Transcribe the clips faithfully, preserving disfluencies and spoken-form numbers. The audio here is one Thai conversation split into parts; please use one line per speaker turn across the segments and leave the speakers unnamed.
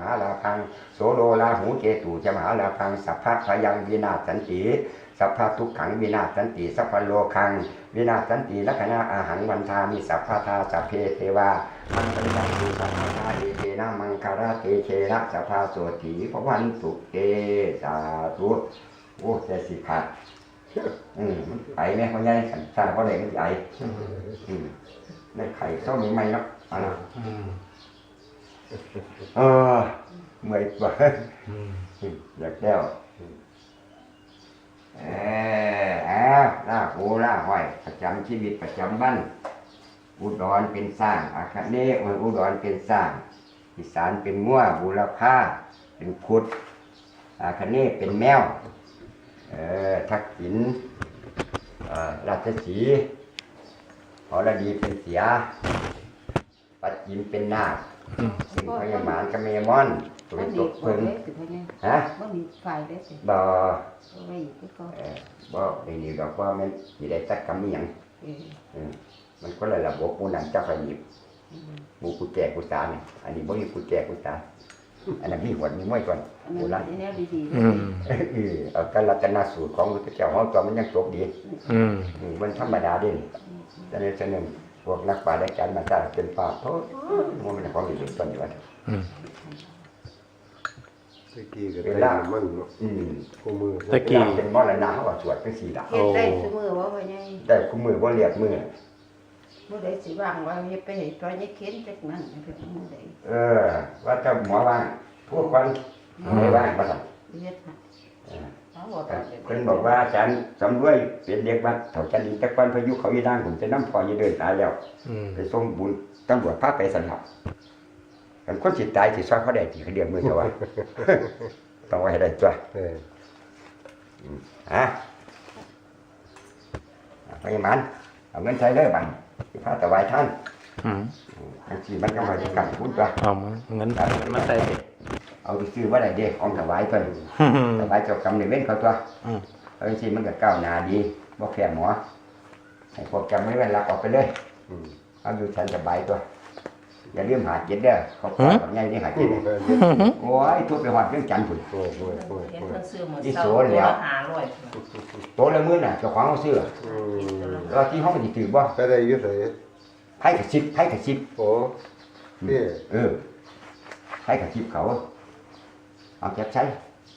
หาลาพังโสโลลาหูเกตุจะมหาลาพังสัพพะพยังวินาศสันติสัพพะทุกขังวินาศสันติสัพพะโลคังวินาศสันติลักขณะอาหังวันทามิสัพพะทาสัพเพเทวามังคลังตุสัพพะทาเอเทนะมังคาราเตเชนะสัพพะโสติภวันตุเตสาธุโอ้เจสิขาดอืมมันไอแม่เขาใหญ่สันสร้างเพราะอะไรมันไออืมในไข่เศร้ามีไหมเนาะอะไรเออเมื่อยกว่าอยากแก้วเอออ้าวล่าหูล่าห้อยประจำชีวิตประจำบ้านอุดรเป็นสร้างอาคเนศอุดรเป็นสร้างอีสานเป็นงัวบุรพาเป็นพุทธอาคเนศเป็นแมวเออทักษิณราชสีห์หอระดีเป็นเสียปัจจิมเป็นนาคสิงพยาหมานกเมมอนตัวตกพึ่งฮะบ่มีไฟได้สิบ่ไม่ก็เออบ่ได้นี่ดอกว่ามันสิได้จักกำมีหยังเออมันก็เลยระบบหมู่นั้นเจ้าขยิบหมู่กูแก่กูตานี่อันนี้บ่มีกูแก่กูตาอันนั้นมีหวดมีม้วยก่อนโบราณแนวดีๆอืมเออเอาการรัตนสูตรของพระเจ้าเฮาตัวมันยังจบดีอืมมันธรรมดาเด้นี่แต่ในเสนอพวกนักปราชญ์การมาสร้างเป็นป่าโทษมันเป็นของดีต้นอยู่ว่า
ตะกี้ก็ได้มันเนาะอืมคู่มือ
ตะกี้เป็นมรณะเฮาว่าสวดจังซี่ล่ะ
เฮ็ดได้ซุมื้อบ่พ่อใหญ่
ได้คู่มือบ่เรียกมือ
บ่ได้สิว่างว่าเฮ็ดไปให้ตัวนี้เข็นจักนั้นเพิ่นบ่ได้
เออว่าเจ้าหมอว่างพวกคนไม่ว่างบ่ซั่นเฮ็ดเพิ่นบอกว่าอาจารย์สำรวยเป็นเด็กวัดเฒ่าจันทร์จักวันพายุเขาอีด่างผมจะนำพ่ออยู่เดินตายแล้วไปส่งบุญตำรวจพาไปสันหับกันคนสิตายสิซอยเขาได้สิเขาเรียกมือเจ้าว่าต้องไว้ให้ได้จ้ะเออฮะไปมันเอาเงินใช้เลยบังสิพาถวายท่านอืมจังซี่มันก็มาสิกันพูดว่า
เอาเงินมาใส่
เอาไปซื้อว่าได้เด้ของถวายเพิ่นถวายเจ้ากรรมในเว้นเขาตัวเอาจริงๆมันก็ก้าวหน้าดีบ่แพ้หมอให้พวกจำไม่แม่นรักออกไปเลยเอาอยู่ฉันสบายตัวอย่าลืมหาเจ็ดเด้อเขาขอกับไงนี่หาเจ็ดโอ้ยทุบไปหอดเรื่องจันทร์พุ่นโอ้ยโอ้ยโอ้ยที่โซนแล้วโตละมื้อน่ะเจ้าของเขาซื้อแล้วที่ห้องสิถือบ่
ไปได้อยู่ไส
ไผกระซิบไผกระซิบ
โอ้นี่
เออไผกระซิบเขาเอาเก็บใช้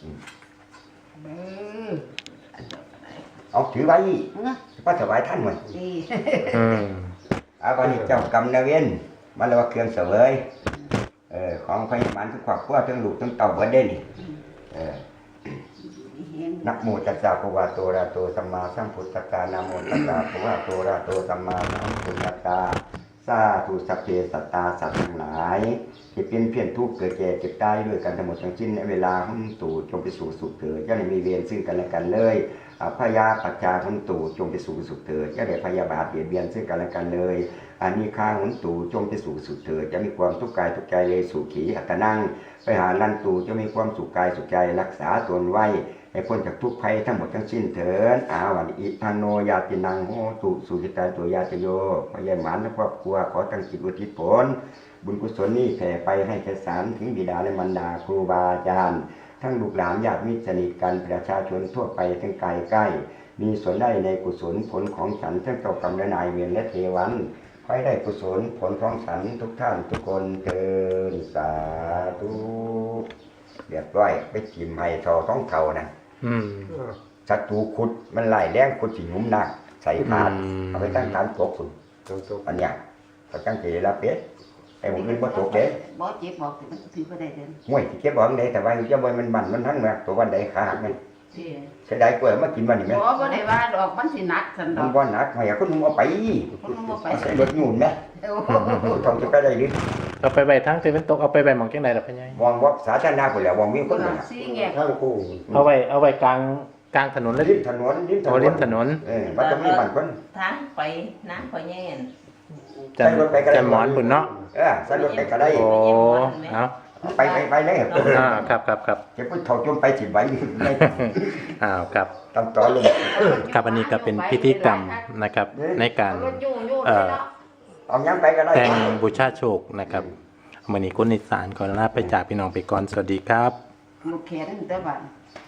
เอาถือไว้พระถวายท่านหน่อยเอาวันนี้เจ้ากรรมนายเวรมาเรียกว่าเครื่องเสวยเออของพยาบาลทุกครอบครัวทั้งลูกทั้งเต่าเบิดเด้นี่เออนะโมตัสสะภะคะวะโตอะระหะโตสัมมาสัมพุทธัสสะนะโมตัสสะภะคะวะโตอะระหะโตสัมมาสัมพุทธัสสะสาธุสัพเพสัตตาสัตว์ทั้งหลายที่เป็นเพียรทุกข์เกิดแก่เจ็บตายด้วยกันทั้งหมดทั้งสิ้นในเวลาหุ่นตู่จงไปสู่สุขเถิดอย่าได้มีเวรซึ่งกันและกันเลยพยาปัจจาหุ่นตู่จงไปสู่สุขเถิดอย่าได้พยาบาทเบียดเบียนซึ่งกันและกันเลยอานิฆาหุ่นตู่จงไปสู่สุขเถิดจะมีความทุกข์กายทุกใจเลยสุขีอัตนังไปหาลันตู่จะมีความสุขกายสุขใจรักษาตนไว้ให้พ้นจากทุกข์ภัยทั้งหมดทั้งสิ้นเถิดอาวันอิทันโนยาตินังโหตุสุขิตาตัวยาจโยพยายหมานและครอบครัวขอตั้งจิตอุทิศผลบุญกุศลนี้แผ่ไปให้แก่สารถึงบิดาและมารดาครูบาอาจารย์ทั้งลูกหลานญาติมิตรสนิทกันประชาชนทั่วไปทั้งไกลใกล้มีส่วนได้ในกุศลผลของฉันทั้งเจ้ากรรมและนายเวรและเทวันขอให้ได้กุศลผลของฉันทุกท่านทุกคนเถิดสาธุเรียบร้อยไปจิ้มให้ทอท้องเข่านะศัตรูขุดมันไล่แรงขุดสิงุ้มหนักใส่ขาดเอาไปตั้งฐานตกคุณอันเนี้ยเขาตั้งใจละเป็ดไอ้ผมนึกว่าตกเด้
บ่เจ็บบอกมันถือบ่ได้เด้อ
มวยที่เจ็บบอกได้แต่ว่าจะบ่มันบั่นมันทั้งมาตัววันใดขาหักมันเสียดายกล้วยมากินวันนี้ไหม
บ่บ่ได้ว่าดอกมันสิหนักซั่นดอก
มันบ่หนักให้คนมึงเอาไป
คนมึงเอาไป
ใส่รถหมุนไหมทองจะไปได้หรือ
เอาไปใบทั้งที่เป็นตกเอาไปใบหมองจังได๋ล่ะพ่อใหญ่
วางวัดสาธารณะพุ่นแหละวางมีคนน่ะ
ทางคู่
เอาไว้เอาไว้กลางกลางถนนเลย
ริมถนนริมถนน
ริมถนน
เออมันจะมีบ้านคน
ทางไปน้ำพ่อใหญ่
จะจะหมอนพุ่นเนาะ
เออใส่รถไปก็ได้
โอ้เอา
ไปไปไปเลย
อ่าครับครับครับ
จะพูดเท่าจมไปสิไว้
อ้าวครับ
ต้องต่อลง
ครับอันนี้ก็เป็นพิธีกรรมนะครับในการเอ่อ
เอายังไปก็ได้
แต่งบูชาโชคนะครับวันนี้คนอีสานขอลาไปจากพี่น้องไปก่อนสวัสดีครับ
ลูกแขนแต่บ้าน
ค